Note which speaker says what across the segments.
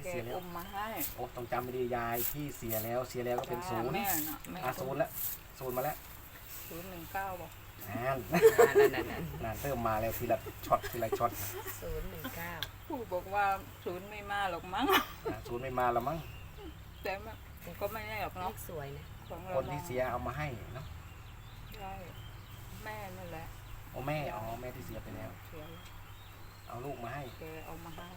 Speaker 1: เสียแล้ว
Speaker 2: มาให้
Speaker 1: โอ้ต้องจำไม่ดียายที่เสียแล้วก็เป็นศูนย์
Speaker 2: แม่น่ะ
Speaker 1: ศูนย์แล้วศูนย์มาแล้ว
Speaker 2: 019บอก
Speaker 1: นานเริ่มมาแล้วทีละช็อต
Speaker 3: 019
Speaker 2: ผู้บอกว่า0ไม่มาหรอกมั้ง
Speaker 1: ศูนย์ไม่มาแล้วมั้ง
Speaker 2: แต่ก็ไม่แน่หรอกเนาะ
Speaker 3: สวยนะ
Speaker 1: คนที่เสียเอามาให้เนาะ
Speaker 2: ใช่แม่นั่นแหละ
Speaker 1: โอ้แม่ที่เสียไปแล้วเอาลูกมาให้
Speaker 2: แกเอามาให้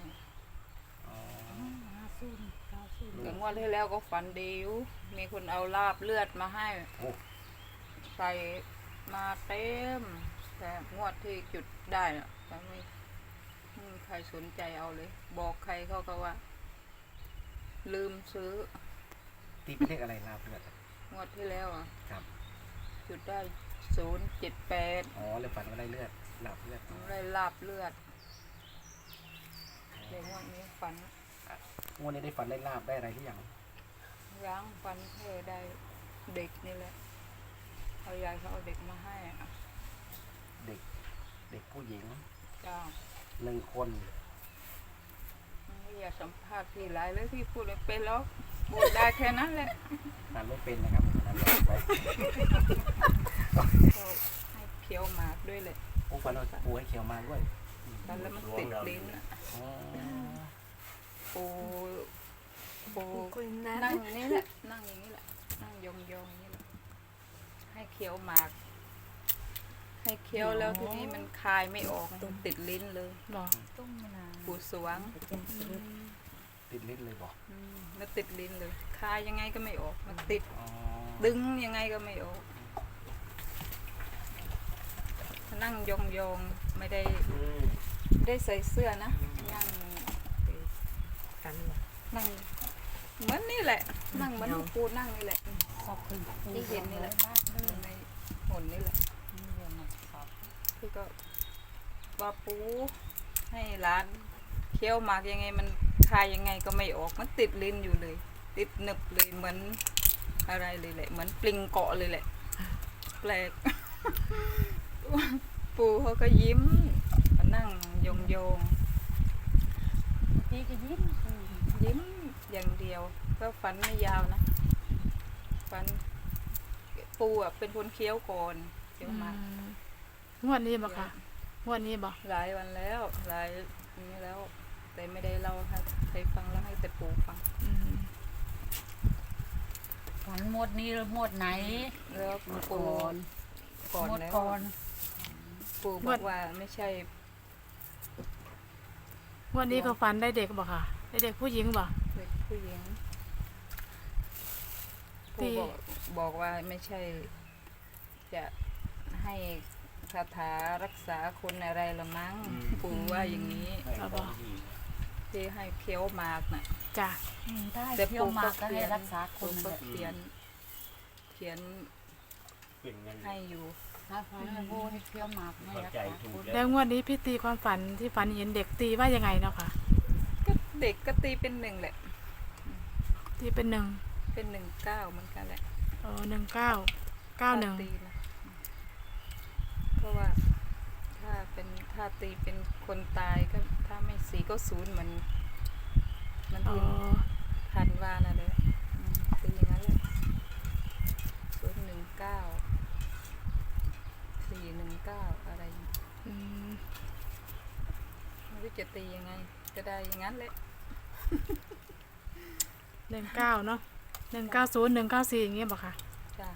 Speaker 3: 50
Speaker 2: ถึงวันที่แล้วก็ฝันดีอยู่มีคนเอาลาบเลือดมาให้ใส่มาเต็มแต่งวดที่จุดได้อะแต่ไม่มีใครสนใจเอาเลยบอกใครเขาก็ว่าลืมซื้อ
Speaker 1: ตีเป็นเลขอะไรลาบเลือด
Speaker 2: งวดที่แล้วอ่ะ
Speaker 1: ครับ
Speaker 2: จุดได้078
Speaker 1: อ๋อเลยฝันว่าได้เลือดลาบเลือด
Speaker 2: ได้ลาบเลือดเรื่องวันนี้ฝัน
Speaker 1: งวดนี้ได้ฝันได้ลาบได้อะไรหรือยัง
Speaker 2: ยังฝันแค่ได้เด็กนี่แหละเขายายเขาเอาเด็กมาให้
Speaker 1: เด็กผู้หญิง
Speaker 2: จ้า
Speaker 1: 1 คน
Speaker 2: ไม่อยากสัมภาษณ์พี่หลายเลยพี่พูดเลยเป็นแล้วพูดได้แค่นั้นแหละ
Speaker 1: นั่นไม่เป็นนะครับนั่นลองไป
Speaker 2: ให้เคี้ยวหมากด้วยเลย
Speaker 1: ปูฝันว่าปูให้เคี้ยวมาด้วย
Speaker 2: แล้วมันติดลิ้นปูนั่งนี่แหละนั่งอย่างนี้แหละนั่งยองอย่างนี้แหละให้เคี้ยวหมากให้เคี้ยวแล้วทีนี้มันคายไม่ออกติดลิ้นเลยปูสวง
Speaker 1: ติดลิ้นเลยบอก
Speaker 2: มันติดลิ้นเลยคายยังไงก็ไม่ออกมันติดดึงยังไงก็ไม่ออกนั่งยองไม่ได้ใส่เสื้อนะนั่งเหมือนนี่แหละนั่งเหมือนปูนั่งนี่แหละที่เห็นนี่แหละในหุ่นนี่แหละคือก็ว่าปูให้ร้านเคี้ยวหมากยังไงมันคายยังไงก็ไม่ออกมันติดลิ้นอยู่เลยติดหนึบเลยเหมือนอะไรเลยแหละเหมือนปลิงเกาะเลยแหละแปลกปูเขาก็ยิ้มนั่งยอง
Speaker 3: พี่ก็ยิ้ม
Speaker 2: อย่างเดียวก็ฝันไม่ยาวนะฝันปูอ่ะเป็นคนเคี้ยวก่อนเคี้ยวมาง
Speaker 4: วดนี้บ่ค่ะงวดนี้บ่
Speaker 2: หลายวันแล้วหลายนี้แล้วแต่ไม่ได้เล่าให้ใครฟังแล้วให้แต่ปูฟัง
Speaker 3: ฝันหมดนี้หรือหมดไหน
Speaker 2: แล้วปูก่อนแล้วปูบอกว่าไม่ใช่
Speaker 4: วันนี้เขาฝันได้เด็กบ่ค่ะได้เด็กผู้หญิงบ่
Speaker 2: เด็กผู้หญิงปูบอกว่าไม่ใช่จะให้คาถารักษาคนอะไรละมั้งปูว่าอย่างนี้ที่ให้เคี้ยวหมากน่ะ
Speaker 4: จ้ะ
Speaker 3: แต่เคี้ยวหมากก็ให้รักษาคน
Speaker 2: ก็เขียนให้อยู่
Speaker 4: แล้วงวดนี้พี่ตีความฝันที่ฝันเห็นเด็กตีว่ายังไงเนาะค่ะ
Speaker 2: ก็เด็กก็ตีเป็น1แหละ
Speaker 4: ตีเป็น1
Speaker 2: เป็น19เหมือนกันแหละ
Speaker 4: 1991
Speaker 2: เพราะว่าถ้าตีเป็นคนตายก็ถ้าไม่สีก็0เหมือนมันทันว่านะเลยตีอย่างนั้นแหละ419อะไรไม่รู้จะตียังไงก็ได้อย่างนั้นแหละ
Speaker 4: 19เนาะ190 194อย่างเงี้ยบ่ค่ะ
Speaker 2: จ้ะ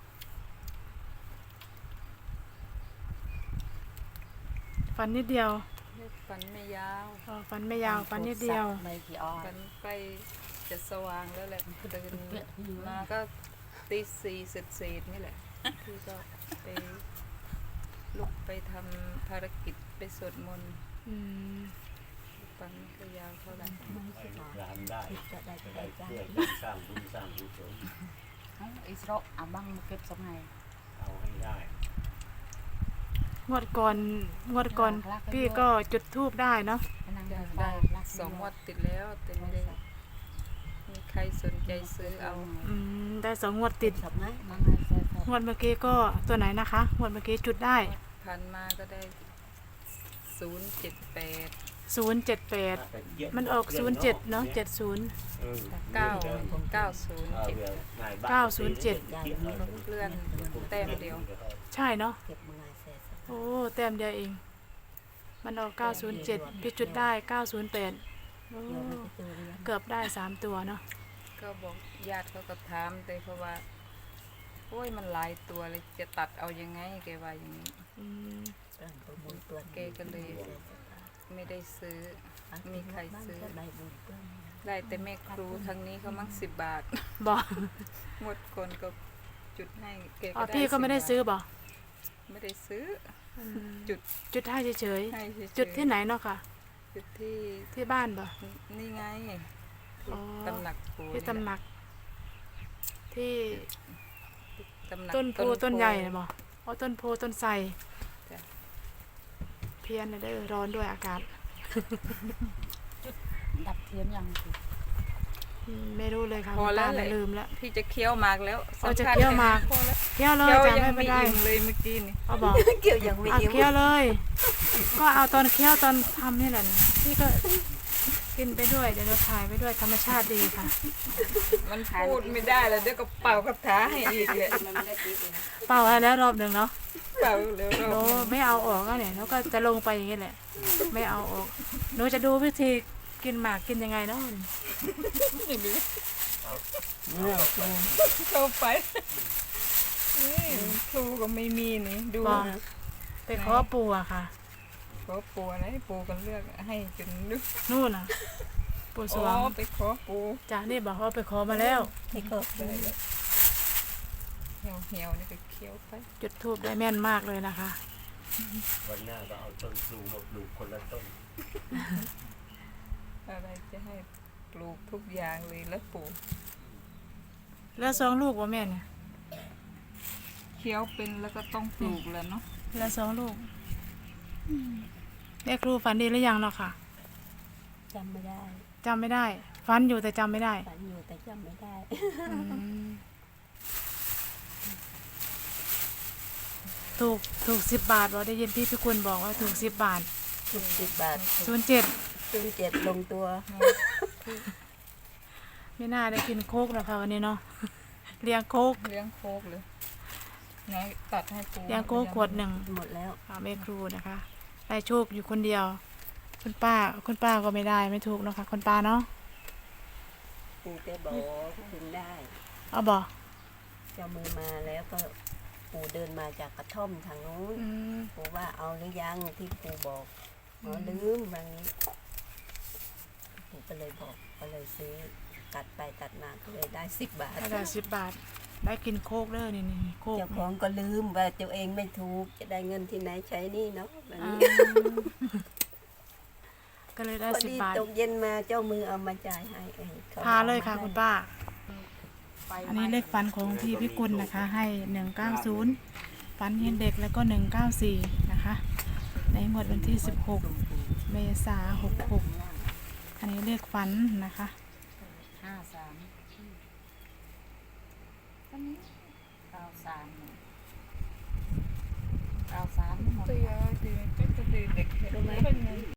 Speaker 4: ฝันนิดเดียว
Speaker 2: ฝันไม่ยาว
Speaker 4: ฝันไม่ยาวฝันนิดเดียว
Speaker 2: ฝันใกล้จะสว่างแล้วแหละเดินมาก็ตี 4เสร็จนี่แหละที่ก็ไปลุกไปทำภารกิจไปสวดมนต์ฝันก็ยาวเท่าไหร่
Speaker 5: ร้านได้เพื่อสร้างบุญสร้างกุศล
Speaker 3: อิสระบังเก็บสมัย
Speaker 5: เอาให้ได้
Speaker 4: งวดก่อนพี่ก็จุดธูปได้เนาะ
Speaker 2: ได้2 งวดติดแล้วแต่ไม่ได้มีใครสนใจซื้อเอา
Speaker 4: ได้2 งวดติดงวดเมื่อกี้ก็ตัวไหนนะคะงวดเมื่อกี้จุดได้
Speaker 2: พันมาก็ได้078
Speaker 4: 078มันออก07เนาะ70
Speaker 2: 907 เลื่อนแต้มเดียว
Speaker 4: ใช่เนาะโอ้แต้มเดียวเองมันออก907พี่จุดได้908โอ้เกือบได้3ตัวเนาะ
Speaker 2: ก็บอกญาติเขาก็ถามแต่เพราะว่าโอ้ยมันหลายตัวเลยจะตัดเอายังไงแกว่าอย่างนี้
Speaker 4: อืม
Speaker 2: แกก็เลยไม่ได้ซื้อมีใครซื้อได้แต่แม่ครูทางนี้เขามั่ง10 บาท
Speaker 4: บอก
Speaker 2: หมดคนก็จุดให้แก
Speaker 4: อ๋อ
Speaker 2: ก็ได้
Speaker 4: พี่ก็ไม่ได้
Speaker 2: 10
Speaker 4: ซื้อบอก
Speaker 2: ไม่ได้ซื้อ
Speaker 4: จุดให้เฉย
Speaker 2: ให้เฉยๆ
Speaker 4: ๆจุดที่ไหนเนาะค่ะ
Speaker 2: จุดที่
Speaker 4: ที่บ้านบ่
Speaker 2: นี่ไง
Speaker 4: อ๋อ
Speaker 2: ตำหนักปู
Speaker 4: ที่ตำหนัก ที่
Speaker 2: ตำหนัก
Speaker 4: ต้นโพต้นใหญ่นะบ่อ๋อต้นโพต้นไทร
Speaker 2: จ้ะ
Speaker 4: เพี้ยนเลยเด้อร้อนด้วยอากาศ
Speaker 3: ดับเทียนยังสิ
Speaker 4: ไม่รู้เลยค่ะ
Speaker 2: พอแล้ว
Speaker 4: คุณ
Speaker 2: แห
Speaker 4: ป้า
Speaker 2: ละ
Speaker 4: ลืมแล้ว
Speaker 2: พี่จะเคี้ยวหมากแล้ว
Speaker 4: เอาจะ
Speaker 2: สำญ
Speaker 4: เคี้ยวหมาก
Speaker 2: พอแล้ว
Speaker 4: เคี้ยวเลย
Speaker 2: เคี้ยว
Speaker 4: จ้ะ
Speaker 2: ยัง
Speaker 4: ไม่
Speaker 2: ไม่
Speaker 4: เป็นไร
Speaker 2: อิ่มเลยเมื่อกี้นี่
Speaker 4: เอาบอก
Speaker 2: เคี้ยวยังไม่
Speaker 4: เอา
Speaker 2: อิ่ม
Speaker 4: เคี้ยวเลย ก็เอาตอนเคี้ยวตอนทำนี่แหละนี่พี่ก็กินไปด้วยเดี๋ยวเราถ่ายไปด้วยธรรมชาติดีค่ะ
Speaker 2: มันพูดไม่ได้แล้วเดี๋ยวก็เป่าคาถาให้อีกเลย
Speaker 4: เป่าให้แล้วรอบหนึ่งเนาะ
Speaker 2: เป่าเร็ว
Speaker 4: หนูไม่เอาออกก็เนี่ยแล้วก็จะลงไปอย่างนี้แหละ ไม่เอาออกหนูจะดูวิธีกินหมากกินยังไงเนาะ
Speaker 2: เข้าไปนี่ครูก็ไม่มีนี่ดู
Speaker 4: บอกไปขอปู่อะค่ะ
Speaker 2: ขอปูอะไรปูกันเลือกให้จนนึก
Speaker 4: นู่นน่ะ ปู่ส
Speaker 2: อ๋
Speaker 4: ว
Speaker 2: อง ไปขอปู
Speaker 4: จ้านี่บอกว่าไปขอมาแล้ว
Speaker 2: ให้ขอไปเหี่ยวๆนี่ก็เคี้ยวไป
Speaker 4: จุดทูบได้แม่นมากเลยนะคะ
Speaker 5: วันหน้าก็เอาต้นพลูมาปลูกคนละต้น
Speaker 2: อะไรจะให้ปลูกทุกอย่างเลยแล้วปลูก
Speaker 4: แล้ว2 ลูกว่าแม่เนี่ย
Speaker 2: เคี้ยวเป็นแล้วก็ต้องปลูกแล้วเนาะ
Speaker 4: แล้ว2 ลูกแม่ครูฝันดีหรือยังเนาะค่ะ
Speaker 6: จำไม่ได้
Speaker 4: จำไม่ได้ฝันอยู่แต่จำไม่ได้
Speaker 6: ฝันอยู่แต่จำไม่ได้
Speaker 4: อืมถูก10 บาทบอกได้ยินพี่พิกุลบอกว่าถูก10 บาท
Speaker 6: 10 บาท
Speaker 4: 07
Speaker 6: 07ลงตัว
Speaker 4: ไม่น่าได้กินโคกหรอกค่ะวันนี้เนาะ เลี้ยงโคก
Speaker 2: เลี้ยงโคกเลยไหนตัดให้ปู
Speaker 4: เลี้ยงโคกขวดหนึ่ง
Speaker 6: หมดแล้ว
Speaker 4: ค่ะแม่ครูนะคะได้โชคอยู่คนเดียว คุณป้าก็ไม่ได้ไม่ถูกเนาะค่ะคุณป้าเนาะ
Speaker 6: ปู่แกบอกถึงได้
Speaker 4: เอาบอก
Speaker 6: เจ้ามือมาแล้วก็ปู่เดินมาจากกระท่อมทางนู้น
Speaker 4: อืม
Speaker 6: ปู่ว่าเอาหรือยังที่ปู่บอกอ๋อลืมบางนี้ปู่ก็เลยบอกก็เลยซื้อตัดไปตัดมาก็เลยได้10 บาท
Speaker 4: ถ้าได้10 บาท ได้กินโคกเด้อนี่โคก
Speaker 6: เจ้าของก็ลืมว่าตัวเองไม่ถูกจะได้เงินที่ไหนใช้หนี่เนาะแบบ
Speaker 4: อื
Speaker 6: นี้
Speaker 4: มก็เลยได้
Speaker 6: พอดี
Speaker 4: 10 บาท
Speaker 6: ตกเย็นมาเจ้ามือเอามาจ่ายให้ข
Speaker 4: พาเลยค่ะ
Speaker 6: อม
Speaker 4: คุณป้า
Speaker 3: ไป
Speaker 4: อันนี้เลขฝันของพี่พิกุลนะคะ ให้190ฝันเห็นเด็กแล้วก็194นะคะ ในงวดวันที่16 เมษายน66อันนี้เลขฝันนะคะ
Speaker 3: 53 93 93หมด
Speaker 2: เตียเด็กเด็ก